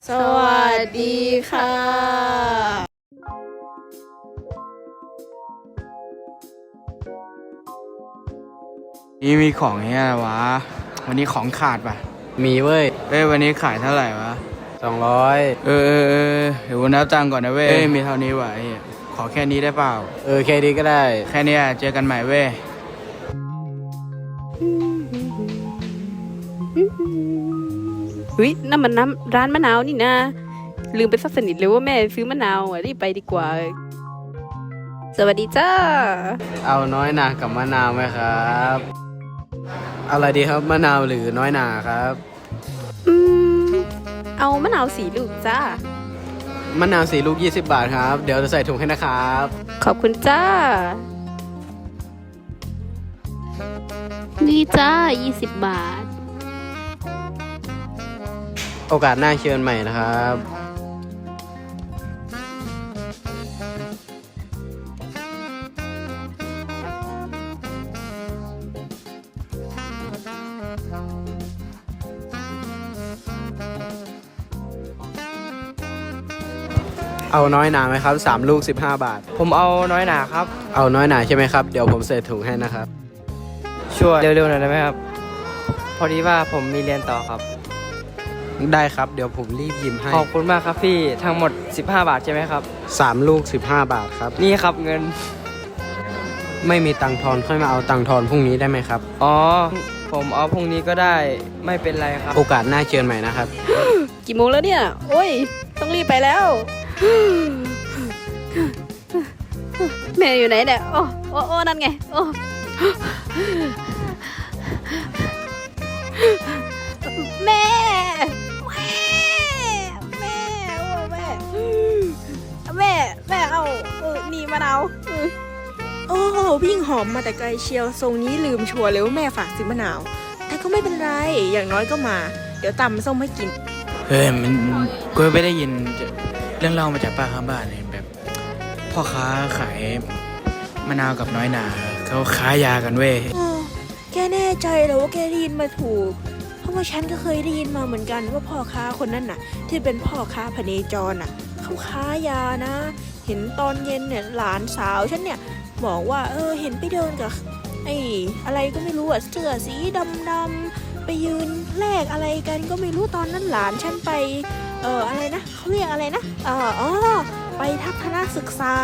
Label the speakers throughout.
Speaker 1: สวัสดีค่ะ
Speaker 2: นี่มีของเฮียอะไรวะวันนี้ของขาดป่ะ
Speaker 3: มีเว้ย
Speaker 2: วันนี้ขายเท่าไหร่วะ
Speaker 3: 200
Speaker 2: เดี๋ยวนับตังค์ก่อนนะมีเท่านี้วะขอแค่นี้ได้เปล่า
Speaker 3: แค่นี้ก็ได้
Speaker 2: แค่นี้เจอกันใหม่
Speaker 1: เฮ้ยนั่นมันน้ำร้านมะนาวนี่นะลืมไปซะสนิทเลยว่าแม่ซื้อมะนาวรีบไปดีกว่าสวัสดีจ้า
Speaker 3: เอาน้อยหนากับมะนาวไหมครับเอาอะไรดีครับมะนาวหรือน้อยหนาครับ
Speaker 1: เอามะนาว4 ลูกจ้าม
Speaker 3: ะนาว4 ลูก20 บาทครับเดี๋ยวจะใส่ถุงให้นะครับ
Speaker 1: ขอบคุณจ้านี่จ้า20 บาท
Speaker 3: โอกาสหน้าเชิญใหม่นะครับเอาน้อยหนาไหมครับ3 ลูก15 บาท
Speaker 2: ผมเอาน้อยหนาครับ
Speaker 3: เอาน้อยหนาใช่ไหมครับเดี๋ยวผมใส่ถุงให้นะครับ
Speaker 2: ช่วยเร็วๆหน่อยได้ไหมครับพอดีว่าผมมีเรียนต่อครับ
Speaker 3: ได้ครับเดี๋ยวผมรีบยิ้มให้
Speaker 2: ขอบคุณมากครับพี่ทั้งหมด15 บาทใช่ไหมครับ
Speaker 3: 3 ลูก15 บาทครับ
Speaker 2: นี่ครับเงิน
Speaker 3: ไม่มีตังค์ทอนค่อยมาเอาตังค์ทอนพรุ่งนี้ได้ไหมครับ
Speaker 2: อ๋อผมเอาพรุ่งนี้ก็ได้ไม่เป็นไรครับ
Speaker 3: โอกาสหน้าเชิญใหม่นะครับ
Speaker 1: กี่โมงแล้วเนี่ยโอ้ยต้องรีบไปแล้วแม่อยู่ไหนเนี่ยโอ้นั่นไงโอ้แม่เอานี่มะนาว
Speaker 4: โอ้วิ่งหอมมาแต่ไกลเชียวทรงนี้ลืมชัวร์เลยว่าแม่ฝากซื้อมะนาวแต่ก็ไม่เป็นไรอย่างน้อยก็มาเดี๋ยวตำส้มให้กิน
Speaker 2: มันกูไม่ได้ยินเรื่องเล่ามาจากป้าข้างบ้านเนี่ยแบบพ่อค้าขายมะนาวกับน้อยหนาเขาค้ายากัน
Speaker 4: แกแน่ใจเหรอว่าแกได้ยินมาถูกเพราะว่าฉันก็เคยได้ยินมาเหมือนกันว่าพ่อค้าคนนั้นน่ะที่เป็นพ่อค้าพเนจรน่ะเขาค้ายานะเห็นตอนเย็นเนี่ยหลานสาวฉันเนี่ยบอกว่าเห็นไปเดินกับไอ้อะไรก็ไม่รู้เสื้อสีดำๆไปยืนแลกอะไรกันก็ไม่รู้ตอนนั้นหลานฉันไปอะไรนะเขาเรียกอะไรนะไปทัศนศึกษา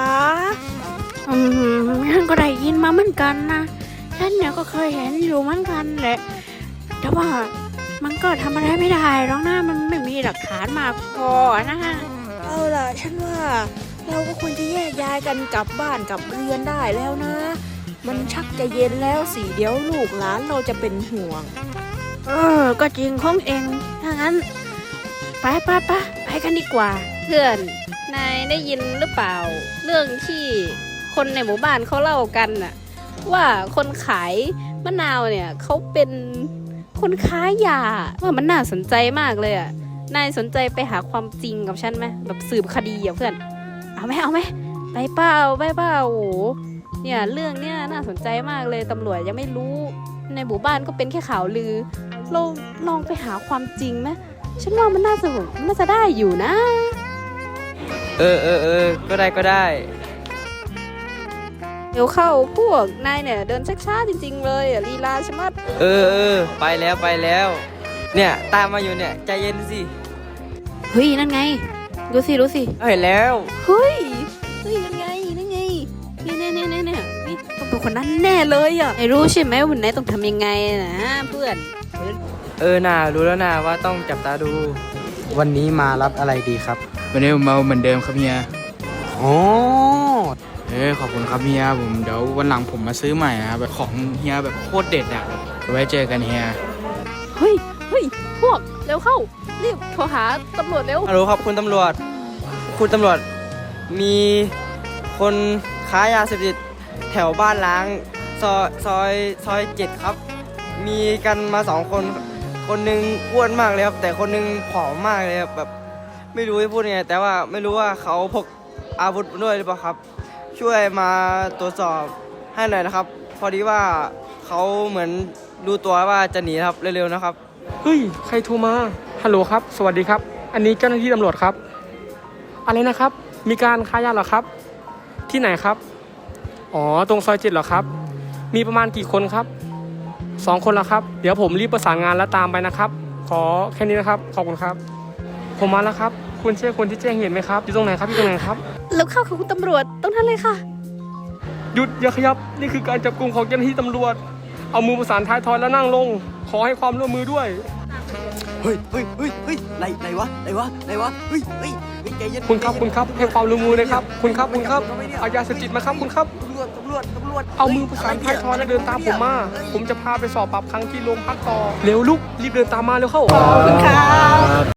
Speaker 1: ฉันก็ได้ยินมาเหมือนกันนะฉันเนี่ยก็เคยเห็นอยู่เหมือนกันแหละแต่ว่ามันก็ทำอะไรไม่ได้หรอกนะมันไม่มีหลักฐานมาพอนะ
Speaker 4: เอาล่ะฉันว่าเราก็ควรจะแยกย้ายกันกลับบ้านกลับเรือนได้แล้วนะมันชักจะเย็นแล้วสิเดี๋ยวลูกหลานเราจะเป็นห่วง
Speaker 1: ก็จริงของเองถ้างั้นไปกันดีกว่าเพื่อนนายได้ยินหรือเปล่าเรื่องที่คนในหมู่บ้านเขาเล่ากันน่ะว่าคนขายมะนาวเนี่ยเขาเป็นคนค้ายาว่ามันน่าสนใจมากเลยอ่ะนายสนใจไปหาความจริงกับฉันไหมแบบสืบคดีอ่ะเพื่อนเอาไหมไปเปล่าโอ้เนี่ยเรื่องเนี้ยน่าสนใจมากเลยตำรวจยังไม่รู้ในหมู่บ้านก็เป็นแค่ข่าวลือเราลองไปหาความจริงไหมฉันว่ามันน่าจะได้อยู่นะ
Speaker 2: ก็ได้
Speaker 1: เดี๋ยวเข้าพวกนายเนี่ยเดินช้าๆจริงๆเลยลีลาใช่ไหม
Speaker 2: ไปแล้วเนี่ยตามมาอยู่เนี่ยใจเย็นสิ
Speaker 1: เฮ้ยนั่นไงดูสิ
Speaker 2: เห็นแล้ว
Speaker 1: เฮ้ยนั่นไงเนี่ยต้องเป็นคนนั้นแน่เลยอ่ะไอ้รู้ใช่ไหมวันไหนต้องทำยังไงนะเพื่อน
Speaker 2: น่ารู้แล้วนะว่าต้องจับตาดู
Speaker 3: วันนี้มารับอะไรดีครับ
Speaker 2: วันนี้ผมมาเหมือนเดิมครับเฮีย
Speaker 3: อ๋อ
Speaker 2: ขอบคุณครับเฮียผมเดี๋ยววันหลังผมมาซื้อใหม่นะแบบของเฮียแบบโคตรเด็ดอ่ะไว้เจอกันเฮีย
Speaker 1: เฮ้ยพวกเร็วเข้ารีบโทรหาตำรวจเร็ว
Speaker 2: ฮัลโหลครับคุณตำรวจมีคนค้ายาเสพติดแถวบ้านล้างซอย7ครับมีกันมา2 คนหนึ่งอ้วนมากเลยครับแต่คนหนึ่งผอมมากเลยครับแบบไม่รู้จะพูดยังไงแต่ว่าไม่รู้ว่าเขาพกอาวุธด้วยหรือเปล่าครับช่วยมาตรวจสอบให้หน่อยนะครับพอดีว่าเขาเหมือนรู้ตัวว่าจะหนีครับเร็วๆนะครับ
Speaker 5: เฮ้ยใครโทรมาฮัลโหลครับสวัสดีครับอันนี้เจ้าหน้าที่ตำรวจครับอะไรนะครับมีการค้ายาเหรอครับที่ไหนครับอ๋อตรงซอย7เหรอครับมีประมาณกี่คนครับ2 คนแล้วครับเดี๋ยวผมรีบประสานงานแล้วตามไปนะครับขอแค่นี้นะครับขอบคุณครับผมมาแล้วครับคุณใช่คนที่แจ้งเหตุไหมครับอยู่ตรงไหนครับอยู่ตรงไหนครับ
Speaker 1: แล้วเข้าของคุณตำรวจตรงนั้นเลยค่ะ
Speaker 5: หยุดอย่าขยับนี่คือการจับกุมของเจ้าหน้าที่ตำรวจเอามือประสานท้ายทอยแล้วนั่งลงขอให้ความร่วมมือด้วย
Speaker 2: เฮ้ยไหนวะเฮ้ยใจเย็น
Speaker 5: คุณครับให้ความร่วมมือเลยครับคุณครับเอายาเสพติดมาครับคุณครับ
Speaker 2: ตำรวจ
Speaker 5: เอามือประสานท้ายทอยแล้วเดินตามผมมาผมจะพาไปสอบปรับครั้งที่โรงพักต่อเร็วลุกรีบเดินตามมาเร็วเข้า
Speaker 1: ขอบคุณค่ะ